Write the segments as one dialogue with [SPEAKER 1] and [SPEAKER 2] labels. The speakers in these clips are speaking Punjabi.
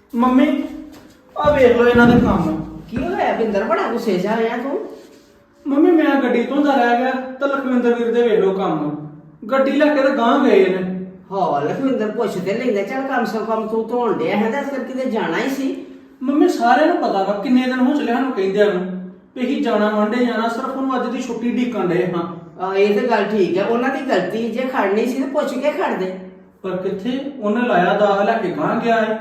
[SPEAKER 1] ਮੰਮੀ ਆ ਵੇਖ ਲਓ ਇਹਨਾਂ ਦੇ ਕੰਮ।
[SPEAKER 2] ਕੀ ਹੋਇਆ ਬਿੰਦਰ, ਬੜਾ ਗੁੱਸੇ 'ਚ ਆਇਆ ਤੂੰ?
[SPEAKER 1] ਮੰਮੀ ਮੈਂ ਗੱਡੀ ਧੋਂਦਾ ਰਹਿ ਗਿਆ ਤਾਂ ਲਖਵਿੰਦਰ ਵੀਰ ਦੇ ਵੇਖ ਲਓ ਕੰਮ। ਗੱਡੀ ਲੈ ਕੇ ਤਾਂ ਗਾਂਹ ਗਏ ਨੇ।
[SPEAKER 2] ਹਾਂ ਲਖਵਿੰਦਰ ਪੁੱਛ ਤੇ ਲੈਂਦਾ, ਚੱਲ ਕਮ ਸੇ ਕਮ ਤੂੰ ਧੋਣ ਡਿਆ ਹੈ ਤਾਂ ਫਿਰ ਕਿਤੇ ਜਾਣਾ ਹੀ ਸੀ।
[SPEAKER 1] ਮੰਮੀ ਸਾਰਿਆਂ ਨੂੰ ਪਤਾ ਵਾ ਕਿੰਨੇ ਦਿਨ ਹੋ ਚਲੇ ਸਾਨੂੰ ਕਹਿੰਦਿਆਂ ਨੂੰ ਵੀ ਅਸੀਂ ਜਾਣਾ ਵਾਂਡੇ ਜਾਣਾ, ਸਿਰਫ ਉਹਨੂੰ ਅੱਜ ਦੀ ਛੁੱਟੀ ਢੀਕਣ ਡਏ ਹਾਂ।
[SPEAKER 2] ਇਹ ਤਾਂ ਗੱਲ ਠੀਕ ਹੈ, ਉਹਨਾਂ ਦੀ ਗਲਤੀ, ਜੇ ਖੜਨੀ ਸੀ ਤਾਂ ਪੁੱਛ ਕੇ ਖੜਦੇ।
[SPEAKER 1] ਪਰ ਕਿੱਥੇ ਉਹਨੇ ਲਾਇਆ ਦਾਗ ਲੈ ਕੇ ਗਾਂਹ ਗਿਆ ਏ।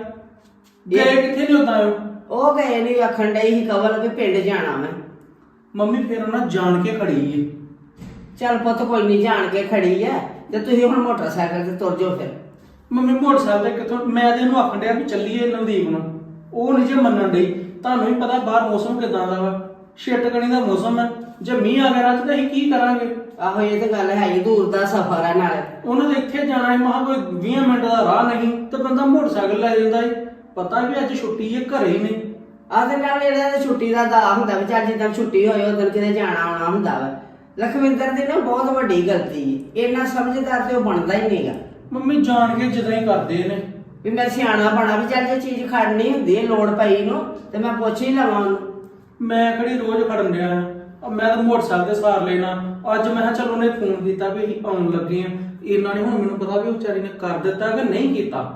[SPEAKER 1] ਗਏ ਕਿੱਥੇ ਨਹੀਂ ਉਦਾਂ
[SPEAKER 2] ਉਹ ਗਏ ਨਹੀਂ, ਆਖਣ ਡਈ ਸੀ ਕਵਲ ਵੀ ਪਿੰਡ ਜਾਣਾ ਮੈਂ।
[SPEAKER 1] ਮੰਮੀ ਫਿਰ ਉਹਨਾਂ ਜਾਣ ਕੇ ਖੜੀ ਏ।
[SPEAKER 2] ਚੱਲ ਪੁੱਤ ਕੋਈ ਨਹੀਂ, ਜਾਣ ਕੇ ਖੜੀ ਐ ਤੇ ਤੁਸੀਂ ਹੁਣ ਮੋਟਰਸਾਈਕਲ ਤੇ ਤੁਰ ਜਾਓ ਫਿਰ।
[SPEAKER 1] ਮੰਮੀ ਮੋਟਰਸਾਈਕਲ ਤੇ ਕਿੱਥੋਂ, ਮੈਂ ਤੇ ਇਹਨੂੰ ਆਖਣ ਡਿਆ ਵੀ ਚੱਲੀਏ ਨਵਦੀਪ ਨੂੰ, ਉਹ ਨਹੀਂ ਜੇ ਮੰਨਣ ਡਈ। ਤੁਹਾਨੂੰ ਵੀ ਪਤਾ ਬਾਹਰ ਮੌਸਮ ਕਿਦਾਂ ਦਾ ਵਾ, ਛਿੱਟਕਣੀ ਦਾ ਮੌਸਮ ਹੈ। ਜੇ ਮੀਂਹ ਆ ਗਿਆ ਰਾਤ ਤਾਂ ਅਸੀਂ ਕੀ ਕਰਾਂਗੇ?
[SPEAKER 2] ਆਹੋ ਇਹ ਤਾਂ ਗੱਲ ਹੈ ਹੀ, ਦੂਰ ਦਾ ਸਫ਼ਰ ਹੈ ਨਾਲ।
[SPEAKER 1] ਉਹਨਾਂ ਦੇ ਇੱਥੇ ਜਾਣਾ ਹੈ, ਮਹਾ ਕੋਈ 20 ਮਿੰਟ ਦਾ ਰਾਹ ਨਹੀਂ ਤੇ ਬੰਦਾ ਮੋਟਰਸਾਈਕਲ ਲੈ ਜਾਂਦਾ ਏ। ਪਤਾ ਵੀ ਅੱਜ ਛੁੱਟੀ ਹੈ, ਘਰੇ ਹੀ ਨੇ।
[SPEAKER 2] ਆਹ ਤੇ ਨਾਲ ਇਹਦਾ ਤਾਂ ਛੁੱਟੀ ਦਾ ਦਾ ਹੁੰਦਾ ਵੀ ਚੱਲ ਜਿੱਦਾਂ ਛੁੱਟੀ ਹੋਏ ਉਦੋਂ ਕਿਤੇ ਜਾਣਾ ਆਉਣਾ ਹੁੰਦਾ ਵਾ। ਲਖਵਿੰਦਰ ਦੀ ਨਾ ਬਹੁਤ ਵੱਡੀ ਗਲਤੀ ਹੈ, ਇੰਨਾ ਸਮਝਦਾਰ ਤੇ ਉਹ ਬਣਦਾ ਹੀ ਨਹੀਂਗਾ।
[SPEAKER 1] ਮੰਮੀ ਜਾਣ ਕੇ ਜਿੱਦਾਂ ਹੀ ਕਰਦੇ ਨੇ
[SPEAKER 2] ਵੀ ਮੈਂ ਸਿਆਣਾ ਬਣਾ ਵੀ ਚੱਲ ਜੇ ਚੀਜ਼ ਖੜਨੀ ਹੁੰਦੀ ਹੈ ਲੋੜ ਪਈ ਨੂੰ ਤੇ ਮੈਂ ਪੁੱਛ ਹੀ ਲਵਾਂ ਉਹਨੂੰ।
[SPEAKER 1] ਮੈਂ ਕਿਹੜੀ ਰੋਜ਼ ਖੜਨ ਡਿਆ ਆ, ਮੈਂ ਤਾਂ ਮੋਟਰਸਾਈਕਲ ਤੇ ਸਾਰ ਲੈਣਾ। ਅੱਜ ਮੈਂ ਕਿਹਾ ਚਲ ਉਹਨੇ ਫੋਨ ਕੀਤਾ ਵੀ ਅਸੀਂ ਆਉਣ ਲੱਗੇ ਆ। ਇਹਨਾਂ ਨੇ ਹੁਣ ਮੈਨੂੰ ਪਤਾ ਵੀ ਉਹ ਵਿਚਾਰੀ ਨੇ ਕਰ ਦਿੱਤਾ ਕਿ ਨਹੀਂ ਕੀਤਾ।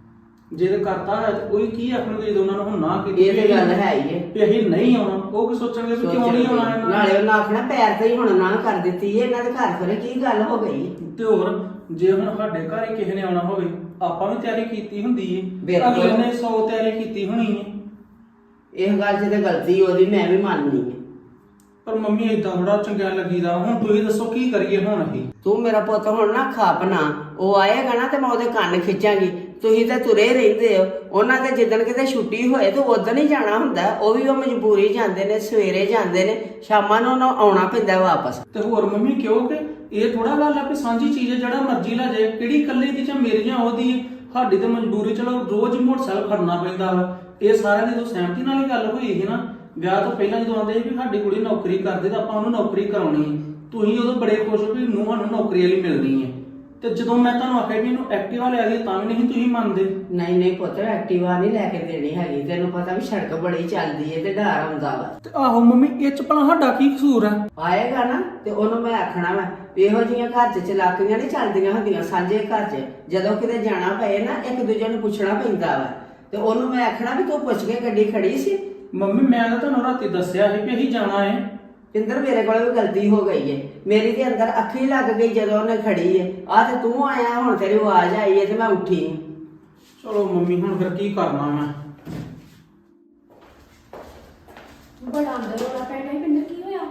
[SPEAKER 1] ਜੇ ਤੇ ਕਰਤਾ ਹੈ ਤਾਂ ਕੋਈ ਕੀ ਆਖਣਗੇ ਜਦੋਂ ਉਹਨਾਂ ਨੂੰ ਹੁਣ ਨਾ ਕੀਤੀ।
[SPEAKER 2] ਇਹ ਤੇ ਗੱਲ ਹੈ ਹੀ ਹੈ
[SPEAKER 1] ਵੀ ਅਸੀਂ ਨਹੀਂ ਆਉਣਾ, ਉਹ ਕੀ ਸੋਚਣਗੇ ਵੀ ਕਿਉਂ ਨਹੀਂ ਆਉਣਾ ਇਹਨਾਂ ਨੇ।
[SPEAKER 2] ਨਾਲੇ ਉਹਨਾਂ ਆਖਣਾ ਪੈਰ ਤੇ ਹੀ ਹੁਣ ਨਾ ਕਰ ਦਿੱਤੀ ਹੈ, ਇਹਨਾਂ ਦੇ ਘਰ ਫਿਰ ਕੀ ਗੱਲ ਹੋ ਗਈ।
[SPEAKER 1] ਤੇ ਹੋਰ ਜੇ ਹੁਣ ਸਾਡੇ ਘਰ ਹੀ ਕਿਸੇ ਨੇ ਆਉਣਾ ਹੋਵੇ, ਆਪਾਂ ਵੀ ਤਿਆਰੀ ਕੀਤੀ ਹੁੰਦੀ ਏ,
[SPEAKER 2] ਬਿਲਕੁਲ।
[SPEAKER 1] ਅਗਲੇ ਨੇ 100 ਤਿਆਰੀ ਕੀਤੀ ਹੋਣੀ ਏ।
[SPEAKER 2] ਇਹ ਗੱਲ 'ਚ ਤੇ ਗਲਤੀ ਉਹਦੀ ਮੈਂ ਵੀ ਮੰਨਨੀ ਹੈ।
[SPEAKER 1] ਪਰ ਮੰਮੀ ਏਦਾਂ ਥੋੜਾ ਚੰਗਾ ਲੱਗੀਦਾ। ਹੁਣ ਤੁਸੀਂ ਦੱਸੋ ਕੀ ਕਰੀਏ ਹੁਣ ਅਸੀਂ?
[SPEAKER 2] ਤੂੰ ਮੇਰਾ ਪੁੱਤ ਹੁਣ ਨਾ ਖਾਪ ਨਾ, ਉਹ ਆਏਗਾ ਨਾ ਤੇ ਮੈਂ ਉਹਦੇ ਕੰਨ ਖਿੱਚਾਂਗੀ। ਤੁਸੀਂ ਤਾਂ ਤੁਰੇ ਰਹਿੰਦੇ ਹੋ, ਉਹਨਾਂ ਦੇ ਜਿੱਦਣ ਕਿਤੇ ਛੁੱਟੀ ਹੋਏ ਤੇ ਉਦੋਂ ਹੀ ਜਾਣਾ ਹੁੰਦਾ। ਉਹ ਵੀ ਉਹ ਮਜਬੂਰੀ ਜਾਂਦੇ ਨੇ, ਸਵੇਰੇ ਜਾਂਦੇ ਨੇ, ਸ਼ਾਮਾਂ ਨੂੰ ਉਹਨਾਂ ਆਉਣਾ ਪੈਂਦਾ ਵਾਪਸ।
[SPEAKER 1] ਤੇ ਹੋਰ ਮੰਮੀ ਕਿਉਂਕਿ ਇਹ ਥੋੜਾ ਗੱਲ ਆ ਵੀ ਸਾਂਝੀ ਚੀਜ਼ ਹੈ, ਜਿਹੜਾ ਮਰਜ਼ੀ ਲੈ ਜਾਏ। ਕਿਹੜੀ ਇਕੱਲੇ ਦੀ ਜਾਂ ਮੇਰੀ ਜਾਂ ਉਹਦੀ, ਸਾਡੀ ਤੇ ਮਜਬੂਰੀ। ਚਲੋ ਰੋਜ਼ ਹੀ ਮੋਟਰਸਾਈਕਲ ਖੜਨਾ ਪੈਂਦਾ ਵਾ। ਇਹ ਸਾਰਿਆਂ ਦੀ ਤਾਂ ਸਹਿਮਤੀ ਨਾਲ ਹੀ ਗੱਲ ਹੋਈ ਸੀ ਨਾ। ਵਿਆਹ ਤੋਂ ਪਹਿਲਾਂ ਜਦੋਂ ਆਉਂਦੇ ਸੀ ਵੀ ਸਾਡੀ ਕੁੜੀ ਨੌਕਰੀ ਕਰਦੇ ਤਾਂ ਆਪਾਂ ਉਹਨੂੰ ਨੌਕਰੀ ਕਰਾਉਣੀ ਹੈ। ਤੁਸੀਂ ਉਦੋਂ ਬੜੇ ਖੁਸ਼ ਹੋ ਵੀ ਨੂੰਹਾਂ ਨੂੰ ਨੌਕਰੀ ਵਾਲੀ ਮਿਲਣੀ ਹੈ। ਤੇ ਜਦੋਂ ਮੈਂ ਤੁਹਾਨੂੰ ਆਖਿਆ ਵੀ ਇਹਨੂੰ ਐਕਟਿਵਾ ਲੈ ਦੇ ਤਾਂ ਵੀ ਨਹੀਂ ਤੁਸੀਂ ਮੰਨਦੇ।
[SPEAKER 2] ਨਹੀਂ ਨਹੀਂ ਪੁੱਤ, ਐਕਟਿਵਾ ਨਹੀਂ ਲੈ ਕੇ ਦੇਣੀ ਹੈਗੀ। ਤੈਨੂੰ ਪਤਾ ਵੀ ਸੜਕ ਬੜੀ ਚੱਲਦੀ ਏ ਤੇ ਡਰ ਆਉਂਦਾ ਵਾ।
[SPEAKER 1] ਤੇ ਆਹੋ ਮੰਮੀ, ਇਹ ਚ ਭਲਾ ਸਾਡਾ ਕੀ ਕਸੂਰ ਆ?
[SPEAKER 2] ਆਏਗਾ ਨਾ ਤੇ ਉਹਨੂੰ ਮੈਂ ਆਖਣਾ ਵਾ ਇਹੋ ਜਿਹੀਆਂ ਘਰ 'ਚ ਚਲਾਕੀਆਂ ਨਹੀਂ ਚੱਲਦੀਆਂ ਹੁੰਦੀਆਂ ਸਾਂਝੇ ਘਰ 'ਚ। ਜਦੋਂ ਕਿਤੇ ਜਾਣਾ ਪਏ ਨਾ ਇੱਕ ਦੂਜੇ ਨੂੰ ਪੁੱਛਣਾ ਪੈਂਦਾ ਵਾ। ਤੇ ਉਹਨੂੰ ਮੈਂ ਆਖਣਾ ਵੀ ਤੂੰ ਪੁੱਛ ਕੇ ਗੱਡੀ ਖੜੀ ਸੀ।
[SPEAKER 1] ਮੰਮੀ ਮੈਂ ਤਾਂ ਤੁਹਾਨੂੰ ਰਾਤੀ ਦੱਸਿਆ ਸੀ ਵੀ ਅਸੀਂ ਜਾਣਾ ਹੈ।
[SPEAKER 2] ਪਿੰਦਰ ਮੇਰੇ ਕੋਲ ਵੀ ਗਲਤੀ ਹੋ ਗਈ ਏ, ਮੇਰੀ ਦੇ ਅੰਦਰ ਅੱਖੀ ਲੱਗ ਗਈ ਜਦੋਂ ਉਹਨੇ ਖੜੀ ਏ। ਆ ਤੇ ਤੂੰ ਆਇਆ, ਹੁਣ ਤੇਰੀ ਆਵਾਜ਼ ਆਈ ਏ ਤੇ ਮੈਂ ਉੱਠੀ।
[SPEAKER 1] ਚਲੋ ਮੰਮੀ ਹੁਣ ਫਿਰ ਕੀ ਕਰਨਾ ਮੈਂ।
[SPEAKER 3] ਬੜਾ ਅੰਦਰ ਰੋਲਾ ਪੈਣਾ ਹੈ। ਪਿੰਦਰ ਕੀ ਹੋਇਆ?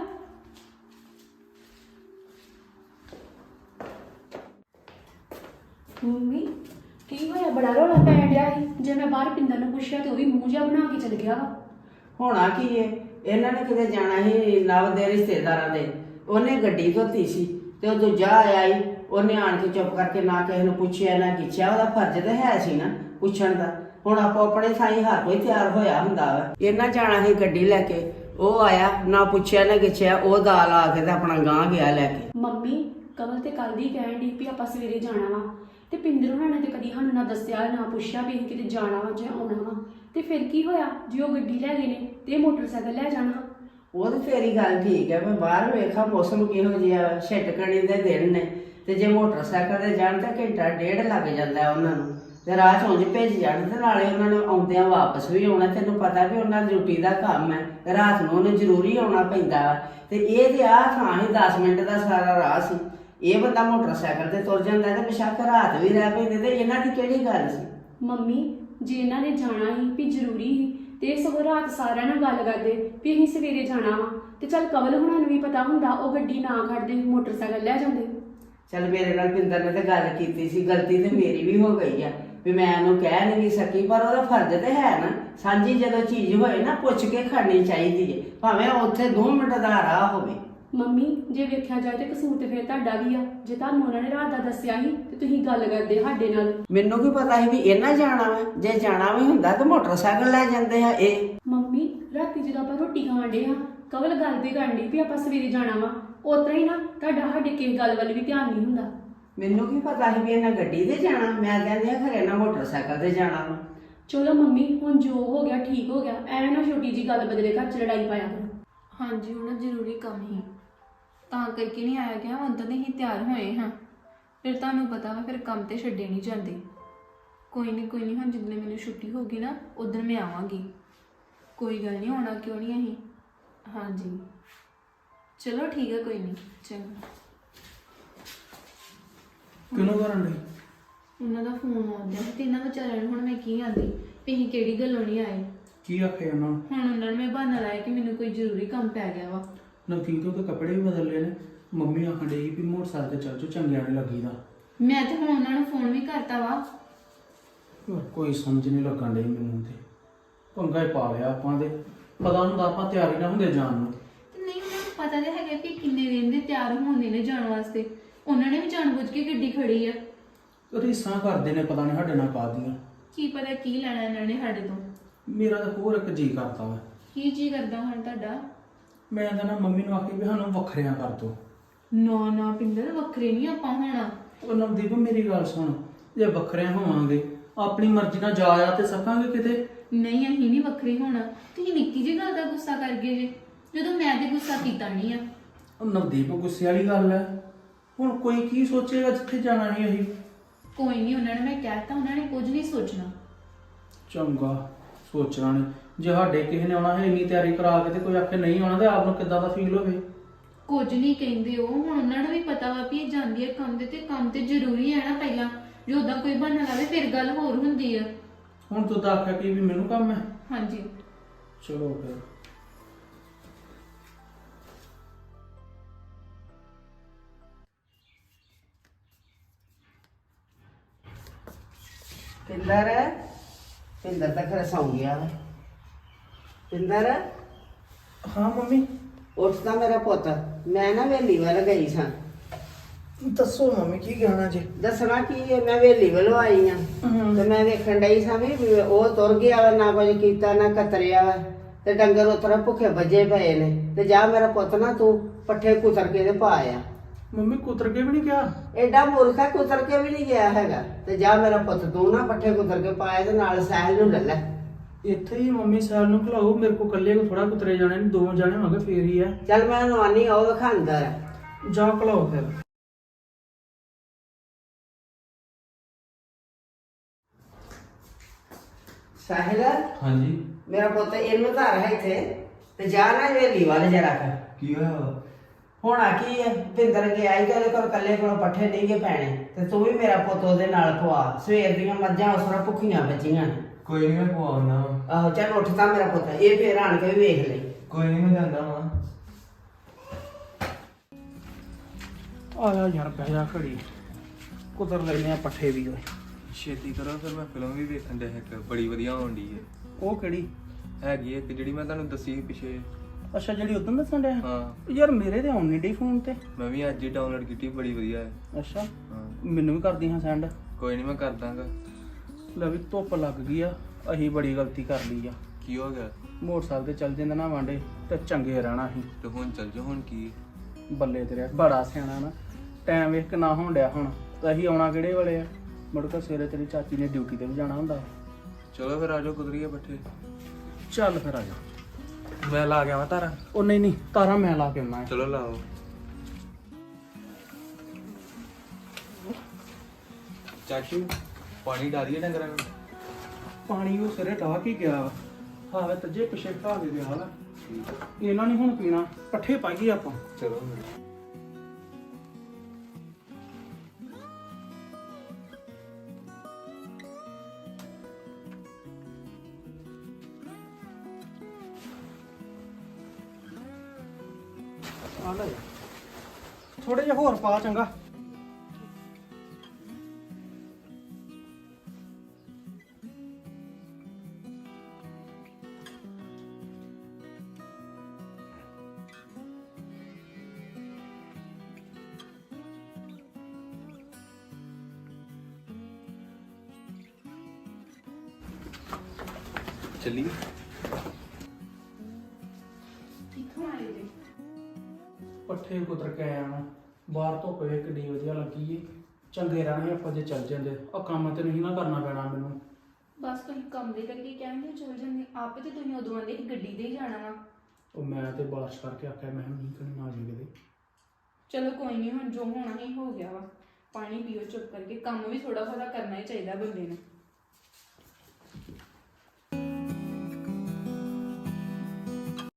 [SPEAKER 3] ਮੰਮੀ ਕੀ ਹੋਇਆ? ਬੜਾ ਰੋਲਾ ਪੈਣ ਡਿਆ ਸੀ। ਜੇ ਮੈਂ ਬਾਹਰ ਪਿੰਦਰ ਨੂੰ ਪੁੱਛਿਆ ਤੇ ਉਹ ਵੀ ਮੂੰਹ ਜਿਹਾ ਬਣਾ ਕੇ ਚਲ ਗਿਆ ਵਾ।
[SPEAKER 2] ਹੋਣਾ ਕੀ ਏ, ਇਹਨਾਂ ਨੇ ਕਿਤੇ ਜਾਣਾ ਸੀ ਨਵ ਦੇ ਰਿਸ਼ਤੇਦਾਰਾਂ ਦੇ। ਉਹਨੇ ਗੱਡੀ ਧੋਤੀ ਸੀ ਤੇ ਉਹ ਦੂਜਾ ਆਇਆ ਈ, ਉਹਨੇ ਆਣ ਕੇ ਚੁੱਪ ਕਰਕੇ ਨਾ ਕਿਸੇ ਨੂੰ ਪੁੱਛਿਆ ਨਾ ਕਿਛਿਆ। ਉਹਦਾ ਫਰਜ਼ ਤਾਂ ਹੈ ਸੀ ਨਾ ਪੁੱਛਣ ਦਾ। ਹੁਣ ਆਪੋ ਆਪਣੇ ਥਾਈ ਹਰ ਕੋਈ ਤਿਆਰ ਹੋਇਆ ਹੁੰਦਾ ਵਾ। ਇਹਨਾਂ ਜਾਣਾ ਸੀ ਗੱਡੀ ਲੈ ਕੇ, ਉਹ ਆਇਆ ਨਾ ਪੁੱਛਿਆ ਨਾ ਕਿਛਿਆ, ਉਹ ਦਾਲ ਆ ਕੇ ਤੇ ਆਪਣਾ ਗਾਂਹ ਗਿਆ ਲੈ ਕੇ।
[SPEAKER 3] ਮੰਮੀ ਕਮਲ ਤੇ ਕੱਲ ਦੀ ਕਹਿਣ ਡਈ ਵੀ ਆਪਾਂ ਸਵੇਰੇ ਜਾਣਾ ਵਾ, ਤੇ ਪਿੰਦਰ ਉਹਨਾਂ ਨੇ ਤੇ ਕਦੀ ਸਾਨੂੰ ਨਾ ਦੱਸਿਆ ਨਾ ਪੁੱਛਿਆ ਵੀ ਅਸੀਂ ਕਿਤੇ ਜਾਣਾ ਵਾ ਜਾਂ ਆਉਣਾ ਵਾ। ਤੇ ਫਿਰ ਕੀ ਹੋਇਆ ਜੇ ਉਹ ਗੱਡੀ ਲੈ ਗਏ ਨੇ ਤੇ ਇਹ ਮੋਟਰਸਾਈਕਲ ਲੈ ਜਾਣਾ? ਉਹ
[SPEAKER 2] ਤੇ ਫੇਰੀ ਗੱਲ ਠੀਕ ਹੈ। ਮੈਂ ਬਾਹਰ ਵੇਖਾਂ ਮੌਸਮ ਕਿਹੋ ਜਿਹਾ, ਛਿਟਕਣੀ ਦੇ ਦਿਨ ਨੇ ਤੇ ਜੇ ਮੋਟਰਸਾਈਕਲ ਤੇ ਜਾਣ ਤਾਂ ਘੰਟਾ ਡੇਢ ਲੱਗ ਜਾਂਦਾ ਉਹਨਾਂ ਨੂੰ। ਤੇ ਰਾਹ 'ਚ ਉਂਝ ਭੇਜ ਜਾਣ ਤੇ ਨਾਲੇ ਉਹਨਾਂ ਨੂੰ ਆਉਂਦਿਆਂ ਵਾਪਸ ਵੀ ਆਉਣਾ। ਤੈਨੂੰ ਪਤਾ ਵੀ ਉਹਨਾਂ ਦੀ ਡਿਊਟੀ ਦਾ ਕੰਮ ਹੈ, ਰਾਤ ਨੂੰ ਉਹਨੇ ਜ਼ਰੂਰੀ ਆਉਣਾ ਪੈਂਦਾ ਵਾ। ਤੇ ਇਹ ਤੇ ਆਹ ਥਾਂ ਹੀ 10 ਮਿੰਟ ਦਾ ਸਾਰਾ ਰਾਹ ਸੀ। ਇਹ ਬੰਦਾ ਮੋਟਰਸਾਈਕਲ ਤੇ ਤੁਰ ਜਾਂਦਾ ਤੇ ਬੇਸ਼ੱਕ ਰਾਤ ਵੀ ਰਹਿ ਪੈਂਦੇ ਤੇ ਇਹਨਾਂ ਦੀ ਕਿਹੜੀ ਗੱਲ ਸੀ?
[SPEAKER 3] ਮੰਮੀ ਜੇ ਇਹਨਾਂ ਨੇ ਜਾਣਾ ਹੀ ਵੀ ਜ਼ਰੂਰੀ ਹੀ ਤੇ ਸਗੋਂ ਰਾਤ ਸਾਰਿਆਂ ਨਾਲ ਗੱਲ ਕਰਦੇ ਵੀ ਅਸੀਂ ਸਵੇਰੇ ਜਾਣਾ ਵਾ, ਤੇ ਚੱਲ ਕਵਲ ਹੁਣਾਂ ਨੂੰ ਵੀ ਪਤਾ ਹੁੰਦਾ, ਉਹ ਗੱਡੀ ਨਾ ਖੜਦੇ ਮੋਟਰਸਾਈਕਲ ਲੈ ਜਾਂਦੇ।
[SPEAKER 2] ਚੱਲ ਮੇਰੇ ਨਾਲ ਪਿੰਦਰ ਨੇ ਤੇ ਗੱਲ ਕੀਤੀ ਸੀ, ਗਲਤੀ ਤੇ ਮੇਰੀ ਵੀ ਹੋ ਗਈ ਆ ਵੀ ਮੈਂ ਉਹਨੂੰ ਕਹਿ ਨਹੀਂ ਸਕੀ। ਪਰ ਉਹਦਾ ਫਰਜ਼ ਤੇ ਹੈ ਨਾ, ਸਾਂਝੀ ਜਦੋਂ ਚੀਜ਼ ਹੋਏ ਨਾ ਪੁੱਛ ਕੇ ਖੜਨੀ ਚਾਹੀਦੀ ਹੈ, ਭਾਵੇਂ ਉੱਥੇ 2 ਮਿੰਟ ਦਾ ਰਾਹ ਹੋਵੇ।
[SPEAKER 3] ਮੰਮੀ ਜੇ ਵੇਖਿਆ ਜਾਏ ਤੇ ਕਸੂਰ ਤੇ ਫਿਰ ਤੁਹਾਡਾ ਵੀ ਆ। ਜੇ ਤੁਹਾਨੂੰ ਉਹਨਾਂ ਨੇ ਰਾਤ ਦਾ ਦੱਸਿਆ ਸੀ ਤੇ ਤੁਸੀਂ ਗੱਲ ਕਰਦੇ ਸਾਡੇ ਨਾਲ।
[SPEAKER 2] ਮੈਨੂੰ ਕੀ ਪਤਾ ਸੀ ਵੀ ਇਹਨਾਂ ਜਾਣਾ ਵਾ? ਜੇ ਜਾਣਾ ਵੀ ਹੁੰਦਾ ਤਾਂ ਮੋਟਰਸਾਈਕਲ ਲੈ ਜਾਂਦੇ ਆ ਇਹ।
[SPEAKER 3] ਮੰਮੀ ਰਾਤੀ ਜਦੋਂ ਆਪਾਂ ਰੋਟੀ ਖਾਣ ਡੇ ਆ, ਕਵਲ ਗੱਲ ਤੇ ਕਰਨ ਡਈ ਵੀ ਆਪਾਂ ਸਵੇਰੇ ਜਾਣਾ ਵਾ, ਉਤਰਾ ਹੀ ਨਾ ਤੁਹਾਡਾ ਸਾਡੇ ਕਿਸੇ ਗੱਲ ਵੱਲ ਵੀ ਧਿਆਨ ਨਹੀਂ ਹੁੰਦਾ।
[SPEAKER 2] ਮੈਨੂੰ ਕੀ ਪਤਾ ਸੀ ਵੀ ਇਹਨਾਂ ਗੱਡੀ ਤੇ ਜਾਣਾ? ਮੈਂ ਕਹਿੰਦੀ ਆ ਖਰੇ ਨਾ ਮੋਟਰਸਾਈਕਲ ਤੇ ਜਾਣਾ ਵਾ।
[SPEAKER 3] ਚਲੋ ਮੰਮੀ ਹੁਣ ਜੋ ਹੋ ਗਿਆ ਠੀਕ ਹੋ ਗਿਆ, ਐਵੇਂ ਨਾ ਛੋਟੀ ਜੀ ਗੱਲ ਬਦਲੇ ਘਰ 'ਚ ਲੜਾਈ ਪਾਇਆ ਕਰੋ।
[SPEAKER 4] ਹਾਂਜੀ ਹੁਣ ਜ਼ਰੂਰੀ ਕੰਮ ਹੀ ਤਾਂ ਕਰਕੇ ਨਹੀਂ ਆਇਆ ਗਿਆ, ਹੁਣ ਤਾਂ ਨਹੀਂ ਤਿਆਰ ਹੋਏ ਹਾਂ। ਫਿਰ ਤੁਹਾਨੂੰ ਪਤਾ ਵਾ ਫਿਰ ਕੰਮ ਤੇ ਛੱਡੇ ਨਹੀਂ ਜਾਂਦੇ। ਕੋਈ ਨਹੀਂ ਹੁਣ ਜਿੱਦਣ ਮੈਨੂੰ ਛੁੱਟੀ ਹੋਗੀ ਨਾ ਉਦੋਂ ਮੈਂ ਆਵਾਂਗੀ। ਕੋਈ ਗੱਲ ਨਹੀਂ, ਆਉਣਾ ਕਿਉਂ ਨਹੀਂ ਅਸੀਂ। ਹਾਂਜੀ ਚਲੋ ਠੀਕ ਹੈ, ਕੋਈ ਨਹੀਂ ਚੰਗਾ।
[SPEAKER 1] ਕਿਹਨੂੰ ਕਰਨ ਲਈ?
[SPEAKER 4] ਉਹਨਾਂ ਦਾ ਫੋਨ ਆਉਂਦਾ ਤੇ ਇਹਨਾਂ ਵਿਚਾਰਿਆਂ ਨੂੰ ਹੁਣ ਮੈਂ ਕੀ ਆਂਦੀ ਵੀ ਅਸੀਂ ਕਿਹੜੀ ਗੱਲੋਂ ਨਹੀਂ ਆਏ।
[SPEAKER 1] ਕੀ ਆਖਿਆ ਉਹਨਾਂ ਨੂੰ?
[SPEAKER 4] ਹੁਣ ਉਹਨਾਂ ਨੇ ਮੈਂ ਬਹਾਨਾ ਲਾਇਆ ਕਿ ਮੈਨੂੰ ਕੋਈ ਜ਼ਰੂਰੀ ਕੰਮ ਪੈ ਗਿਆ ਵਾ।
[SPEAKER 1] ਨਵਦੀਪ ਤੋਂ ਤਾਂ ਕੱਪੜੇ ਵੀ ਬਦਲ ਲਏ ਨੇ। ਮੰਮੀ ਆਖਣ ਡਈ ਵੀ ਮੋਟਰਸਾਈਕਲ ਤੇ ਚੱਲ ਜਾਓ, ਚੰਗਿਆ ਨਹੀਂ ਲੱਗੀਦਾ।
[SPEAKER 4] ਮੈਂ ਤੇ ਹੁਣ ਉਹਨਾਂ ਨੂੰ ਫੋਨ ਵੀ ਕਰਤਾ ਵਾ।
[SPEAKER 1] ਯਾਰ ਕੋਈ ਸਮਝ ਨਹੀਂ ਲੱਗਣ ਡਈ ਮੈਨੂੰ ਤੇ। ਪੰਗਾ ਹੀ ਪਾ ਲਿਆ ਆਪਾਂ ਦੇ। ਪਤਾ ਹੁੰਦਾ ਆਪਾਂ ਤਿਆਰੀ ਨਾ ਹੁੰਦੇ ਜਾਣ ਨੂੰ।
[SPEAKER 4] ਤੇ ਨਹੀਂ ਉਹਨਾਂ ਨੂੰ ਪਤਾ ਤੇ ਹੈਗਾ ਵੀ ਕਿੰਨੇ ਦਿਨ ਦੇ ਤਿਆਰ ਹੁੰਦੇ ਨੇ ਜਾਣ ਵਾਸਤੇ। ਉਹਨਾਂ ਨੇ ਵੀ ਜਾਣਬੁੱਝ ਕੇ ਗੱਡੀ ਖੜੀ ਆ।
[SPEAKER 1] ਰੀਸਾਂ ਕਰਦੇ ਨੇ ਪਤਾ ਨਹੀਂ ਸਾਡੇ ਨਾਲ ਕਾਹਦੀਆਂ।
[SPEAKER 4] ਕੀ ਪਤਾ ਕੀ ਲੈਣਾ ਇਹਨਾਂ ਨੇ ਸਾਡੇ ਤੋਂ।
[SPEAKER 1] ਮੇਰਾ ਤਾਂ ਹੋਰ ਇੱਕ ਜੀ ਕਰਦਾ ਵਾ।
[SPEAKER 4] ਕੀ ਜੀ ਕਰਦਾ ਹੁਣ ਤੁਹਾਡਾ?
[SPEAKER 1] ਮੈਂ ਤਾਂ ਨਾ ਮੰਮੀ ਨੂੰ ਆਖੀ ਵੀ ਸਾਨੂੰ ਵੱਖਰਿਆਂ ਕਰ ਦੋ।
[SPEAKER 4] ਨਾ ਪਿੰਦਰ, ਵੱਖਰੇ ਨਹੀਂ ਆਪਾਂ ਹੋਣਾ।
[SPEAKER 1] ਉਹ ਨਵਦੀਪ ਮੇਰੀ ਗੱਲ ਸੁਣ, ਜੇ ਵੱਖਰਿਆਂ ਹੋਵਾਂਗੇ ਆਪਣੀ ਮਰਜ਼ੀ ਨਾਲ ਜਾ ਆ ਤੇ ਸਕਾਂਗੇ ਕਿਤੇ।
[SPEAKER 4] ਨਹੀਂ ਅਸੀਂ ਨਹੀਂ ਵੱਖਰੇ ਹੋਣਾ। ਤੁਸੀਂ ਨਿੱਕੀ ਜਿਹੀ ਗੱਲ ਦਾ ਗੁੱਸਾ ਕਰ ਗਏ ਜੇ, ਜਦੋਂ ਮੈਂ ਤੇ ਗੁੱਸਾ ਕੀਤਾ ਨਹੀਂ ਆ।
[SPEAKER 1] ਉਹ ਨਵਦੀਪ ਗੁੱਸੇ ਵਾਲੀ ਗੱਲ ਹੈ। ਹੁਣ ਕੋਈ ਕੀ ਸੋਚੇਗਾ ਜਿੱਥੇ ਜਾਣਾ ਨਹੀਂ ਅਸੀਂ।
[SPEAKER 4] ਕੋਈ ਨਹੀਂ, ਉਹਨਾਂ ਨੇ ਮੈਂ ਕਹਿਤਾ, ਉਹਨਾਂ ਨੇ ਕੁਝ ਨਹੀਂ ਸੋਚਣਾ।
[SPEAKER 1] ਚੰਗਾ ਸੋਚਣਾ ਨਹੀਂ। ਜੇ ਸਾਡੇ ਕਿਸੇ ਨੇ ਆਉਣਾ ਹੈ ਇੰਨੀ ਤਿਆਰੀ ਕਰਾ ਕੇ ਤੇ ਕੋਈ ਆਖੇ ਨਹੀਂ ਆਉਣਾ ਤੇ ਆਪ ਨੂੰ ਕਿੱਦਾਂ ਦਾ ਫੀਲ ਹੋਵੇ।
[SPEAKER 4] ਕੁਝ ਨਹੀਂ ਕਹਿੰਦੇ ਉਹ। ਹੁਣ ਉਹਨਾਂ ਨੂੰ ਵੀ ਪਤਾ ਵਾ ਵੀ ਇਹ ਜਾਂਦੀ ਹੈ ਕੰਮ ਤੇ ਕੰਮ ਤੇ ਜ਼ਰੂਰੀ ਹੈ ਨਾ। ਪਹਿਲਾਂ ਜੇ ਉਦਾਂ ਕੋਈ ਬਹਾਨਾ ਲਾਵੇ ਫਿਰ ਗੱਲ ਹੋਰ ਹੁੰਦੀ ਆ।
[SPEAKER 1] ਹੁਣ ਤੂੰ ਤਾਂ ਆਖਿਆ ਕਿ ਵੀ ਮੈਨੂੰ ਕੰਮ ਹੈ।
[SPEAKER 4] ਹਾਂਜੀ
[SPEAKER 1] ਚਲੋ ਫਿਰ।
[SPEAKER 2] ਪਿੰਦਰ ਤਾਂ ਘਰੇ ਸੌਂ ਗਿਆ ਵਾ। ਪਿੰਦਰ
[SPEAKER 1] ਹਾਂ ਮੰਮੀ
[SPEAKER 2] ਉੱਠਦਾ ਮੇਰਾ ਪੁੱਤ। ਮੈਂ ਨਾ ਵੇਲੀ ਵੱਲ ਗਈ ਸਾਂ।
[SPEAKER 1] ਦੱਸੋ ਮੰਮੀ ਕੀ ਕਹਿਣਾ ਜੀ?
[SPEAKER 2] ਦੱਸਣਾ ਕੀ ਹੈ, ਮੈਂ ਵੇਲੀ ਵੱਲੋਂ ਆਈ ਆ ਤੇ ਮੈਂ ਵੇਖਣ ਡਈ ਸਾਂ ਵੀ ਉਹ ਤੁਰ ਗਿਆ ਵਾ, ਨਾ ਕੁਝ ਕੀਤਾ ਨਾ ਕਤਰਿਆ ਵਾ ਤੇ ਡੰਗਰ ਉਤਰਾ ਭੁੱਖੇ ਵੱਜੇ ਪਏ ਨੇ। ਤੇ ਜਾ ਮੇਰਾ ਪੁੱਤ ਨਾ ਤੂੰ ਪੱਠੇ ਕੁਤਰ ਕੇ ਤੇ ਪਾ ਆ।
[SPEAKER 1] ਮੰਮੀ ਕੁਤਰ ਕੇ ਵੀ ਨਹੀਂ ਗਿਆ?
[SPEAKER 2] ਐਡਾ ਮੂਰਖਾ ਕੁਤਰ ਕੇ ਵੀ ਨਹੀਂ ਗਿਆ ਹੈਗਾ। ਤੇ ਜਾ ਮੇਰਾ ਪੁੱਤ ਤੂੰ ਨਾ ਪੱਠੇ ਕੁਤਰ ਕੇ ਪਾਇਆ ਤੇ ਨਾਲ ਸਾਹਿਲ ਨੂੰ ਲੈ ਲੈ।
[SPEAKER 1] ਇੱਥੇ ਹੀ ਮੰਮੀ ਸਾਲ ਨੂੰ ਖਲਾਓ। ਮੇਰੇ ਕੋ ਇਕੱਲੇ ਕੋ ਥੋੜਾ ਕੁਤਰੇ ਜਾਣੇ ਨੇ, ਦੋ ਜਾਣੇ ਹੋਣਗੇ ਫੇਰ ਹੀ ਆ।
[SPEAKER 2] ਚੱਲ ਮੈਂ ਨਵਾਨੀ ਆ, ਉਹ ਵਿਖਾਂਦਾ ਆ।
[SPEAKER 1] ਜਾ ਖਲਾਓ ਫਿਰ।
[SPEAKER 2] ਸਾਹਿਲ
[SPEAKER 5] ਹਾਂਜੀ
[SPEAKER 2] ਮੇਰਾ ਪੁੱਤ ਇਹਨੂੰ ਧਰ ਹੈ ਇੱਥੇ ਤੇ ਜਾ ਨਾ ਵੇਲੀ ਵੱਲ ਜਰਾ ਕਰ।
[SPEAKER 5] ਕੀ ਹੋਇਆ?
[SPEAKER 2] ਹੋਣਾ ਕੀ ਹੈ, ਭਿੰਦਰ ਗਿਆ ਹੀ ਤੇ ਉਹਦੇ ਕੋਲ ਕੱਲੇ ਕੋਲ ਪੱਠੇ ਨਹੀਂ ਗੇ ਪੈਣੇ ਤੇ ਤੂੰ ਵੀ ਮੇਰਾ ਪੁੱਤ ਉਹਦੇ ਨਾਲ ਖਵਾ। ਸਵੇਰ ਦੀਆਂ ਮੱਝਾਂ ਉਸ ਤਰ੍ਹਾਂ ਭੁੱਖੀਆਂ ਬੱਚੀਆਂ ਨੇ।
[SPEAKER 5] ਕੋਈ ਨਹੀਂ ਮੈਂ ਪਵਾਉਣਾ।
[SPEAKER 2] ਆਹੋ ਚੱਲ ਉੱਠਦਾ ਮੇਰਾ ਪੁੱਤ, ਇਹ ਫੇਰ ਆਣ ਕੇ ਵੀ ਵੇਖ ਲਈ।
[SPEAKER 5] ਕੋਈ ਨਹੀਂ ਮੈਂ ਜਾਂਦਾ ਵਾਂ।
[SPEAKER 1] ਆ ਜਾ ਯਾਰ ਬਹਿ ਜਾ ਘੜੀ, ਕੁਤਰ ਲੈਨੇ ਆ ਪੱਠੇ ਵੀ ਓਏ।
[SPEAKER 5] ਛੇਤੀ ਕਰੋ ਫਿਰ ਮੈਂ ਫਿਲਮ ਵੀ ਵੇਖਣ ਡਿਆ ਇੱਕ ਬੜੀ ਵਧੀਆ ਆਉਣ ਡਈ ਹੈ।
[SPEAKER 1] ਉਹ ਕਿਹੜੀ?
[SPEAKER 5] ਹੈਗੀ ਇੱਕ ਜਿਹੜੀ ਮੈਂ ਤੁਹਾਨੂੰ ਦੱਸੀ ਸੀ ਪਿੱਛੇ।
[SPEAKER 1] ਅੱਛਾ ਜਿਹੜੀ ਉਦੋਂ ਦੱਸਣ ਡਿਆ?
[SPEAKER 5] ਹਾਂ
[SPEAKER 1] ਯਾਰ ਮੇਰੇ ਤੇ ਆਉਣ ਨਹੀਂ ਡਈ ਫੋਨ ਤੇ।
[SPEAKER 5] ਮੈਂ ਵੀ ਅੱਜ ਹੀ ਡਾਊਨਲੋਡ ਕੀਤੀ, ਬੜੀ ਵਧੀਆ ਹੈ।
[SPEAKER 1] ਅੱਛਾ
[SPEAKER 5] ਹਾਂ
[SPEAKER 1] ਮੈਨੂੰ ਵੀ ਕਰਦੀ ਹਾਂ ਸੈਂਡ।
[SPEAKER 5] ਕੋਈ ਨਹੀਂ ਮੈਂ ਕਰ ਦਾਂਗਾ।
[SPEAKER 1] ਲੈ ਵੀ ਧੁੱਪ ਲੱਗ ਗਈ ਆ, ਅਸੀਂ ਬੜੀ ਗਲਤੀ ਕਰ ਲਈ ਆ।
[SPEAKER 5] ਕੀ ਹੋ ਗਿਆ?
[SPEAKER 1] ਮੋਟਰਸਾਈਕਲ ਤੇ ਚੱਲ ਜਾਂਦੇ ਨਾ ਵਾਂਡੇ ਤੇ ਚੰਗੇ ਰਹਿਣਾ ਸੀ।
[SPEAKER 5] ਤੇ ਹੁਣ ਚੱਲ ਜਾ। ਹੁਣ ਕੀ?
[SPEAKER 1] ਬੱਲੇ ਤੇਰੇ ਬੜਾ ਸਿਆਣਾ ਨਾ। ਟਾਈਮ ਵੇਖ ਕੇ ਨਾ ਹੋਣ ਡਿਆ ਹੁਣ ਤਾਂ ਅਸੀਂ ਆਉਣਾ ਕਿਹੜੇ ਵੇਲੇ ਆ? ਮੁੜ ਕੇ ਸਵੇਰੇ ਤੇਰੀ ਚਾਚੀ ਨੇ ਡਿਊਟੀ ਤੇ ਵੀ ਜਾਣਾ ਹੁੰਦਾ।
[SPEAKER 5] ਚਲੋ ਫਿਰ ਆ ਜਾਓ, ਕੁਦਰੀਏ ਪੱਠੇ।
[SPEAKER 1] ਚੱਲ ਫਿਰ ਆ ਜਾ।
[SPEAKER 5] ਮੈਂ ਲਾ ਗਿਆ ਵਾ ਤਾਰਾ।
[SPEAKER 1] ਉਹ ਨਹੀਂ ਤਾਰਾ ਮੈਂ ਲਾ ਕੇ ਆਉਣਾ।
[SPEAKER 5] ਚਲੋ ਲਾਓ। ਚਾਚੂ ਪਾਣੀ ਡਾਲੀਏ ਡੰਗਰਾਂ ਨੂੰ।
[SPEAKER 1] ਪਾਣੀ ਉਹ ਸਿਰੇ ਢਾਹ ਕੇ ਗਿਆ ਹਾਵੇ ਤੱਜੇ ਪਿਛੇ ਢਾਹ ਕੇ ਗਿਆ ਵਾ। ਇਹਨਾਂ ਨੇ ਹੁਣ ਪੀਣਾ, ਪੱਠੇ ਪਾਈਏ ਆਪਾਂ।
[SPEAKER 5] ਚਲੋ
[SPEAKER 1] ਆ ਲੈ ਥੋੜੇ ਜਿਹਾ ਹੋਰ ਪਾ ਚੰਗਾ।
[SPEAKER 5] ਚੱਲੀਏ।
[SPEAKER 3] ਕਿੱਥੋਂ ਆਏ ਜੀ?
[SPEAKER 1] ਪੱਠੇ ਕੁਤਰ ਕੇ ਆਇਆ ਮੈਂ। ਬਾਹਰ ਧੁੱਪ ਵੇਖ ਕਿੰਨੀ ਵਧੀਆ ਲੱਗੀ ਏ। ਚੰਗੇ ਰਹਿਣੇ ਆਪਾਂ ਜੇ ਚੱਲ ਜਾਂਦੇ। ਆ ਕੰਮ ਤੇ ਨਹੀਂ ਨਾ ਕਰਨਾ ਪੈਣਾ ਮੈਨੂੰ।
[SPEAKER 4] ਬਸ ਤੁਸੀਂ ਕੰਮ ਦੇ ਕਰਕੇ ਕਹਿੰਦੇ ਚਲ ਜਾਂਦੇ ਆਪੇ ਤੇ ਤੁਸੀਂ ਉਦੋਂ ਆਂਦੇ ਕਿ ਗੱਡੀ ਤੇ ਹੀ ਜਾਣਾ ਵਾ।
[SPEAKER 1] ਉਹ ਮੈਂ ਤੇ ਬਾਰਿਸ਼ ਕਰਕੇ ਆਖਿਆ ਮੈਂ ਨਹੀਂ ਕਰਨੀ ਨਾ ਜੇ ਕਿਤੇ।
[SPEAKER 4] ਚਲੋ ਕੋਈ ਨਹੀਂ, ਹੁਣ ਜੋ ਹੋਣਾ ਹੀ ਹੋ ਗਿਆ ਵਾ। ਪਾਣੀ ਪੀਓ ਚੁੱਪ ਕਰਕੇ, ਕੰਮ ਵੀ ਥੋੜਾ ਬਹੁਤਾ ਕਰਨਾ ਹੀ ਚਾਹੀਦਾ ਬੰਦੇ ਨੂੰ।